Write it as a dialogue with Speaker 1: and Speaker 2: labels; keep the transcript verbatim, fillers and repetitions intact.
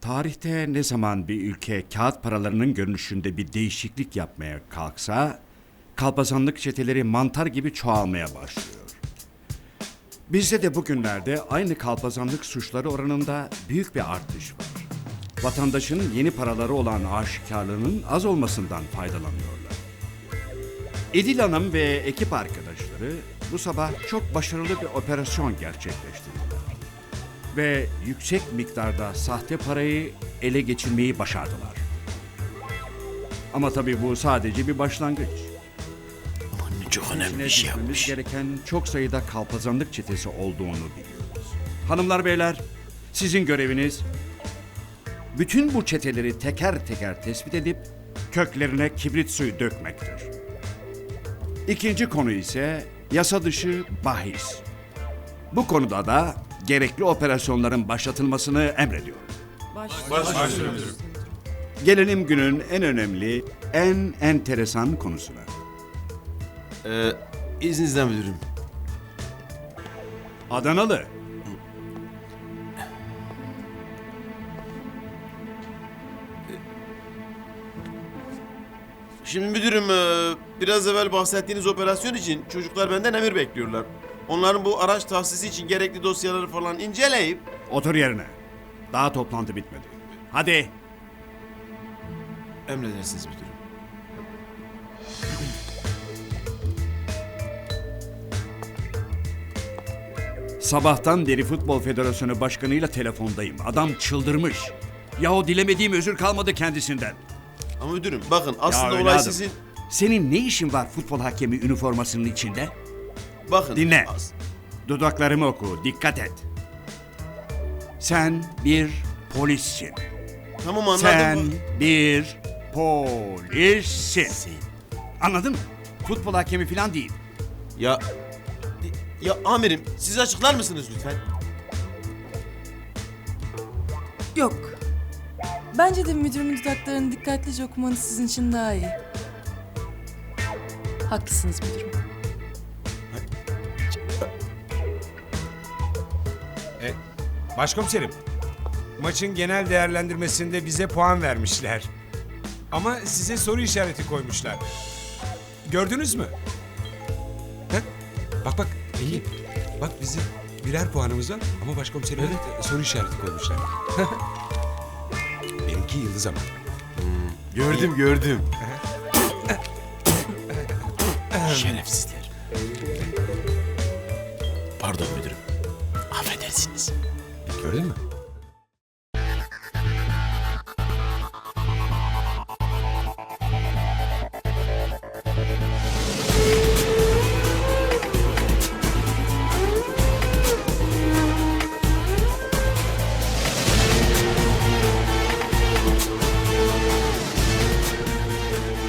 Speaker 1: Tarihte ne zaman bir ülke kağıt paralarının görünüşünde bir değişiklik yapmaya kalksa, kalpazanlık çeteleri mantar gibi çoğalmaya başlıyor. Bizde de bugünlerde aynı kalpazanlık suçları oranında büyük bir artış var. Vatandaşın yeni paraları olan aşikarlığının az olmasından faydalanıyorlar. İdil Hanım ve ekip arkadaşları bu sabah çok başarılı bir operasyon gerçekleştirdiler. Ve yüksek miktarda sahte parayı ele geçirmeyi başardılar. Ama tabii bu sadece bir başlangıç.
Speaker 2: Aman çok önemli
Speaker 1: İçine
Speaker 2: bir şey
Speaker 1: düşmemiz
Speaker 2: yapmış.
Speaker 1: gereken çok sayıda kalpazanlık çetesi olduğunu biliyoruz. Hanımlar beyler, sizin göreviniz bütün bu çeteleri teker teker tespit edip köklerine kibrit suyu dökmektir. İkinci konu ise yasa dışı bahis. Bu konuda da gerekli operasyonların başlatılmasını emrediyorum. Gelelim günün en önemli, en enteresan konusuna.
Speaker 2: Ee, izninizle müdürüm.
Speaker 1: Adanalı.
Speaker 2: Şimdi müdürüm e, biraz evvel bahsettiğiniz operasyon için çocuklar benden emir bekliyorlar. Onların bu araç tahsisi için gerekli dosyaları falan inceleyip...
Speaker 1: Otur yerine. Daha toplantı bitmedi. Hadi.
Speaker 2: Emredersiniz müdürüm.
Speaker 1: Sabahtan beri Futbol Federasyonu Başkanı'yla telefondayım. Adam çıldırmış. Yahu dilemediğim özür kalmadı kendisinden.
Speaker 2: Ama müdürüm bakın aslında olay
Speaker 1: evladım,
Speaker 2: sizin...
Speaker 1: Senin ne işin var futbol hakemi üniformasının içinde?
Speaker 2: Bakın...
Speaker 1: Dinle.
Speaker 2: as-
Speaker 1: Dudaklarımı oku, dikkat et. Sen bir polissin.
Speaker 2: Tamam anladım.
Speaker 1: Sen
Speaker 2: bu-
Speaker 1: bir polissin. Anladın mı? Futbol hakemi falan değil.
Speaker 2: Ya... Ya amirim siz açıklar mısınız lütfen?
Speaker 3: Yok. Bence de müdürümün dudaklarını dikkatlice okumanız sizin için daha iyi. Haklısınız müdürüm.
Speaker 4: E, başkomiserim, maçın genel değerlendirmesinde bize puan vermişler. Ama size soru işareti koymuşlar. Gördünüz mü? Bak, bak bak Engin. Bak bizim birer puanımız var ama başkomiserime de soru işareti koymuşlar. Benimki yıldız ama.
Speaker 2: Gördüm gördüm. Şerefsizler. Pardon müdürüm. Affedersiniz.
Speaker 4: Gördün mü?